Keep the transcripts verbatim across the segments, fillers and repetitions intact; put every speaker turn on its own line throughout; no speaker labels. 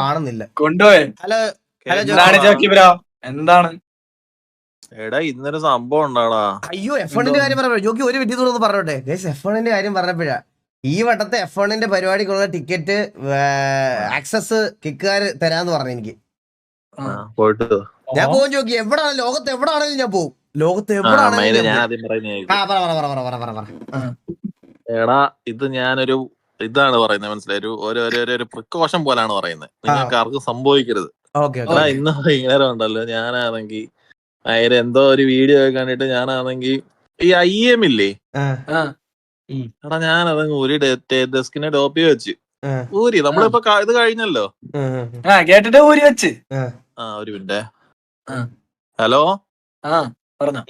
കാണുന്നില്ല.
കൊണ്ടുപോയി.
Hello hello
എന്താണ് ജോക്കി ബ്രോ? എന്താണ്?
എടാ ഇന്നൊരു സംഭവം ഉണ്ടാടാ.
അയ്യോ എഫ് വണ്ണിന്റെ കാര്യം പറഞ്ഞ ജോക്കി ഒരു വിദ്യ തോന്നുന്നു പറഞ്ഞോട്ടെ. എഫ് വണ്ണിന്റെ കാര്യം പറഞ്ഞപ്പോഴാ ഈ വട്ടത്തെ എഫ് വണ്ണിന്റെ പരിപാടിക്കുള്ള ടിക്കറ്റ് ആക്സസ് കിക്കുകാർ തരാന്ന് പറഞ്ഞു എനിക്ക്.
പോയിട്ട്
ഞാൻ പോകും ജോക്കി, എവിടാണ് ലോകത്ത് എവിടാണെങ്കിലും ഞാൻ പോകും. ലോകത്ത് എവിടാണെങ്കിലും
എടാ ഇത് ഞാനൊരു ഇതാണ് പറയുന്നത്, മനസ്സിലായി? ഒരു പ്രിക്കോഷൻ പോലാണ് പറയുന്നത്. നിങ്ങൾക്ക് ആർക്കും സംഭവിക്കരുത്. എടാ ഇന്ന് വൈകുന്നേരം ഉണ്ടല്ലോ, ഞാനാണെങ്കി അതിന് എന്തോ ഒരു വീഡിയോ ഒക്കെ കണ്ടിട്ട് ഞാനാണെങ്കി ഈ ഐ എം ഇല്ലേ, എടാ ഞാനതങ്ങ് ഒരു ഡെസ്കിനെ ഡോപ്പി വെച്ച് ഊരി. നമ്മളിപ്പോ ഇത് കഴിഞ്ഞല്ലോ,
കേട്ടിട്ട് ഊരി വെച്ച്.
ആ ഒരു മിനിറ്റ്. ഹലോ
പറഞ്ഞോ.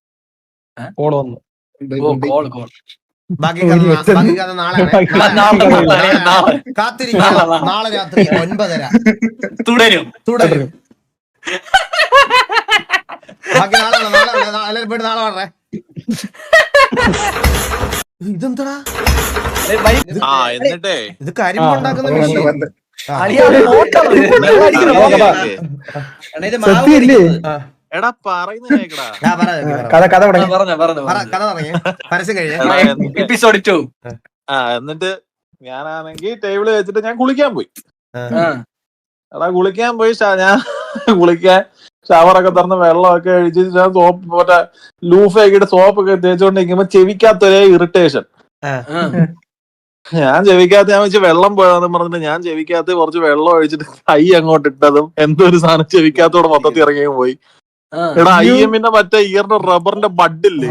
ബാക്കി കഥ നാളെ കാത്തിരിക്കുക. നാളെ രാത്രി ഒൻപതര
തുടരും
തുടരും. ബാക്കി നാളെ നാളെ പോയിട്ട് നാളെ പറഞ്ഞേ. ഇതെന്താ
എന്നിട്ടേ
ഇത് കരിമ്പ് ഉണ്ടാക്കുന്ന മെഷീൻ.
എടാ പറയുന്ന
കഥ കഥ തുടങ്ങി പരസ്യം കഴിഞ്ഞ
എപ്പിസോഡ് ടു.
ആ എന്നിട്ട് ഞാനാണെങ്കിൽ ടേബിള് വെച്ചിട്ട് ഞാൻ കുളിക്കാൻ പോയി. എടാ കുളിക്കാൻ പോയി ഞാൻ കുളിക്കാൻ ഷവറൊക്കെ തുറന്ന് വെള്ളമൊക്കെ ഒഴിച്ച് ഞാൻ സോപ്പ് മറ്റേ ലൂഫാക്കിയിട്ട് സോപ്പൊക്കെ തേച്ചുകൊണ്ടിരിക്കുമ്പോ ചെവിക്കാത്തൊരേ ഇറിറ്റേഷൻ. ഞാൻ ചെവിക്കാത്ത ഞാൻ വെച്ച് വെള്ളം പോയാന്ന് പറഞ്ഞിട്ട് ഞാൻ ചെവിക്കാത്ത കുറച്ച് വെള്ളം ഒഴിച്ചിട്ട് കൈ അങ്ങോട്ട് ഇട്ടതും എന്തോ ഒരു സാധനം ചെവിക്കാത്തോടെ മൊത്തത്തിൽ ഇറങ്ങി പോയി. എടാ ഐ എമ്മിന്റെ മറ്റേ ഇയറിന്റെ റബ്ബറിന്റെ ബഡില്ലേ,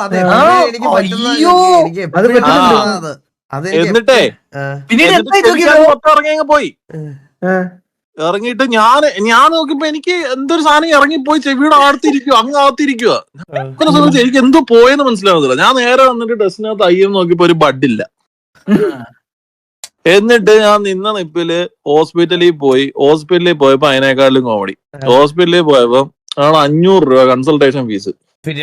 എന്നിട്ടേ മൊത്തം ഇറങ്ങി അങ്ങ് പോയി. ഇറങ്ങിയിട്ട് ഞാൻ ഞാൻ നോക്കിയപ്പോ എനിക്ക് എന്തൊരു സാധനം ഇറങ്ങിപ്പോയി ചെവിയുടെ ആർത്തിരിക്കുക, അങ്ങ് ആർത്തിരിക്കുക. അങ്ങനെ സമയത്ത് എനിക്ക് എന്തോ പോയെന്ന് മനസ്സിലാവുന്നില്ല. ഞാൻ നേരെ വന്നിട്ട് ഡ്രസ്സിനകത്ത് ഐ എം നോക്കിയപ്പോ ഒരു ബഡില്ല. എന്നിട്ട് ഞാൻ നിന്ന നിപ്പില് ഹോസ്പിറ്റലിൽ പോയി. ഹോസ്പിറ്റലിൽ പോയപ്പോ അതിനേക്കാളും കോമഡി. ഹോസ്പിറ്റലിൽ പോയപ്പോ ആണ് അഞ്ഞൂറ് രൂപ കൺസൾട്ടേഷൻ ഫീസ്.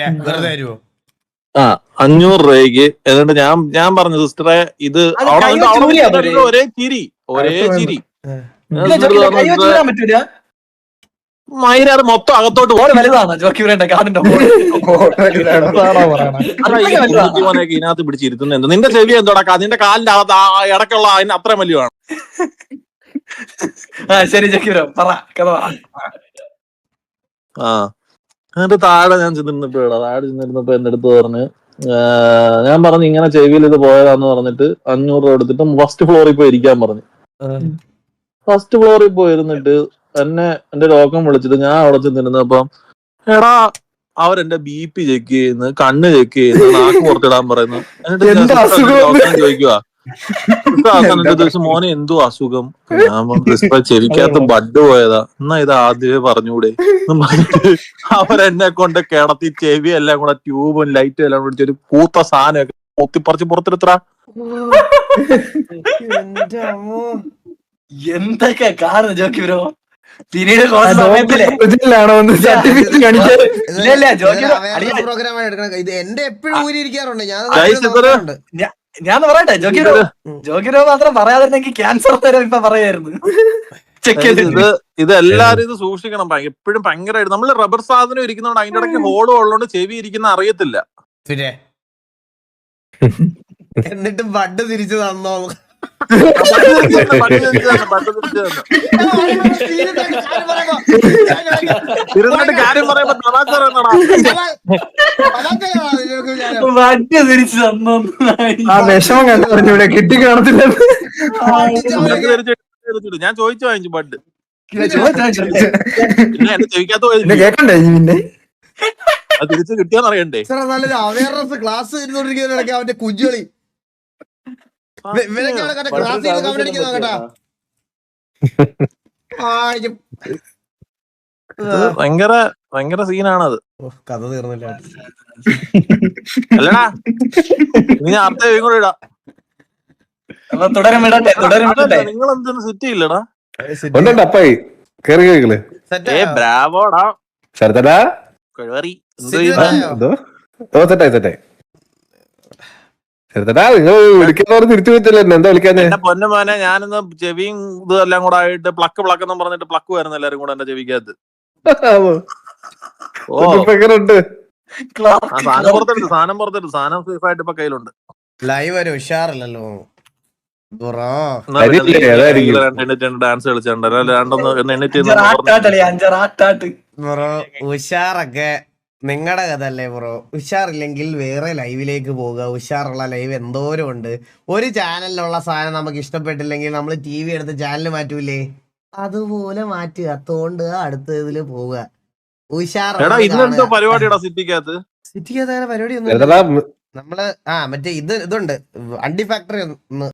ആ അഞ്ഞൂറ് രൂപയ്ക്ക്. എന്നിട്ട് ഞാൻ ഞാൻ പറഞ്ഞു സിസ്റ്ററെ ഇത് അവിടെ ഒരേ ചിരി ഒരേ ചിരി മൈരാറ് മൊത്തം അകത്തോട്ട് ഇതിനകത്ത് പിടിച്ചിരുത്തുന്ന എന്താ? നിന്റെ ചെവി എന്തോടാ? നിന്റെ കാലിന്റെ അകത്ത് ഇടയ്ക്കുള്ള അതിന് അത്ര വലിയമാണ്. ആ എന്നിട്ട് താഴെ ഞാൻ ചെന്നിരുന്നപ്പോ താഴെ ചെന്നിരുന്നപ്പോ എന്റെ അടുത്ത് പറഞ്ഞ്, ഞാൻ പറഞ്ഞു ഇങ്ങനെ ചെവിയിൽ ഇത് പോയതാന്ന് പറഞ്ഞിട്ട് അഞ്ഞൂറ് രൂപ എടുത്തിട്ട് ഫസ്റ്റ് ഫ്ലോറിൽ പോയി ഇരിക്കാൻ പറഞ്ഞു. ഫസ്റ്റ് ഫ്ലോറിൽ പോയിരുന്നിട്ട് എന്നെ എന്റെ രോഗം വിളിച്ചിട്ട് ഞാൻ അവിടെ ചെന്നിരുന്നപ്പം എടാ അവരെന്റെ ബി പി ചെക്ക് ചെയ്യുന്നു, കണ്ണ് ചെക്ക് ചെയ്യുന്നു, നാക്ക് പുറത്തിടാൻ പറയുന്നു. എന്നിട്ട് ചോദിക്കുക ദിവസം മോനെ എന്തോ അസുഖം? ഞാൻ ചെവിക്കകത്ത് ബഡ് പോയതാ. എന്നാ ഇത് ആദ്യമേ പറഞ്ഞൂടെ പറഞ്ഞിട്ട് അവരെന്നെ കൊണ്ട് കിടത്തി ചെവി എല്ലാം കൂടെ ട്യൂബും ലൈറ്റും എല്ലാം കൂടി ഒരു കൂത്ത സാധനമൊക്കെ പൊത്തിപ്പറിച്ച് പുറത്തെടുത്ത.
എന്തൊക്കെ കാരണം ജോക്കി ബ്രോ? പിന്നീട് ഞാൻ പറയട്ടെ ജോക്കി ബ്രോ, ജോക്കി ബ്രോ മാത്രം പറയാതിരുന്നെങ്കിൽ ക്യാൻസർ തരം ഇപ്പൊ പറയായിരുന്നു.
ഇത് ഇത് എല്ലാരും ഇത് സൂക്ഷിക്കണം. എപ്പോഴും ഭയങ്കരമായിട്ട് നമ്മള് റബ്ബർ സാധനം ഇരിക്കുന്നോണ്ട് അതിന്റെ ഇടയ്ക്ക് ഹോളും ഉള്ളതുകൊണ്ട് ചെവി ഇരിക്കുന്ന അറിയത്തില്ല.
എന്നിട്ട് ബഡ് തിരിച്ചു തന്നോ?
ഇരുന്നിട്ട് കാര്യം പറയുമ്പോ
തിരിച്ചു തന്നോ?
ആ വിഷമം കണ്ടു പറഞ്ഞൂടെ? കിട്ടി കാണത്തില്ല.
ഞാൻ ചോദിച്ചു വാങ്ങിച്ചു ബഡ്.
കേക്കണ്ടേ പിന്നെ
അത് തിരിച്ചു കിട്ടിയാന്ന് അറിയണ്ടേ?
നല്ലൊരു അവയർനെസ് ക്ലാസ് ഇരുന്നോണ്ടിരിക്കുന്നതിനിടയ്ക്ക് അവന്റെ കുഞ്ചുകളി
ഭയങ്കര ഭയങ്കര സീനാണത്.
കഥ തീർന്നില്ല.
അല്ലടാ നീ അടുത്ത കൂടെ ഇടാം. നിങ്ങൾ എന്തിനു സെറ്റ് ചെയ്യില്ലടാ?
അപ്പായി കേറി കേൾക്കല്
ബ്രാവോടാ
ശരത്തടാ
കഴിവറി
എന്തോ സെറ്റായി സെറ്റായി ചെറുതടാ നിങ്ങൾ വിളിക്കുന്നവർ തിരിച്ചു വെച്ചല്ലോ എന്നെ എന്താ വിളിക്കാഞ്ഞേ?
എന്റെ പൊന്നുമോനെ ഞാനിന്ന് ചെവിയും ഇതും എല്ലാം കൂടെ ആയിട്ട് പ്ലക്ക് പ്ലക്ക് എന്നും പറഞ്ഞിട്ട് പ്ലക്ക് വരുന്നു എല്ലാരും കൂടെ എന്റെ ചെവിക്കകത്ത്. ഓ
ഇപ്പൊ എങ്ങനെയുണ്ട്?
ആ സാധനം പുറത്തെടുത്ത് സാധനം പുറത്തെടുത്ത് സാധനം സേഫ് ആയിട്ട് ഇപ്പൊ കയ്യിലുണ്ട്.
ലൈവ് ഒരു ഉഷാറില്ലല്ലോ ബ്രോ.
എന്നാ പിന്നെ
അരിയില്ലേ,
നീ
അതായിരിക്കും.
രണ്ട് എണ്ണിട്ട് ഡാൻസ് കളിച്ചിട്ടുണ്ട് രണ്ടൊന്ന് ഒന്ന് എണ്ണിട്ട്
അഞ്ചാറാട്ടാട്ടളി അഞ്ചാറാട്ടാട്ട്
ബ്രോ ഉഷാറൊക്കെ നിങ്ങളുടെ കഥ അല്ലേ ബ്രോ. ഉഷാറില്ലെങ്കിൽ വേറെ ലൈവിലേക്ക് പോവുക. ഉഷാറുള്ള ലൈവ് എന്തോരം ഉണ്ട്. ഒരു ചാനലിലുള്ള സാധനം നമുക്ക് ഇഷ്ടപ്പെട്ടില്ലെങ്കിൽ നമ്മൾ ടി വി എടുത്ത് ചാനൽ മാറ്റൂലേ, അതുപോലെ മാറ്റുക. തോണ്ടുക, അടുത്ത ഇതില് പോവുക.
എടാ
ഉഷാറുള്ള
ഇന്നെന്തോ പരിപാടിയുടെ സിറ്റിക്കകത്ത്
സിറ്റിക്ക് പരിപാടി ഒന്നും
ചെറുതടാ
നമ്മള് ആ മറ്റേ ഇത് ഇതുണ്ട് അണ്ടി ഫാക്ടറി ഒന്ന്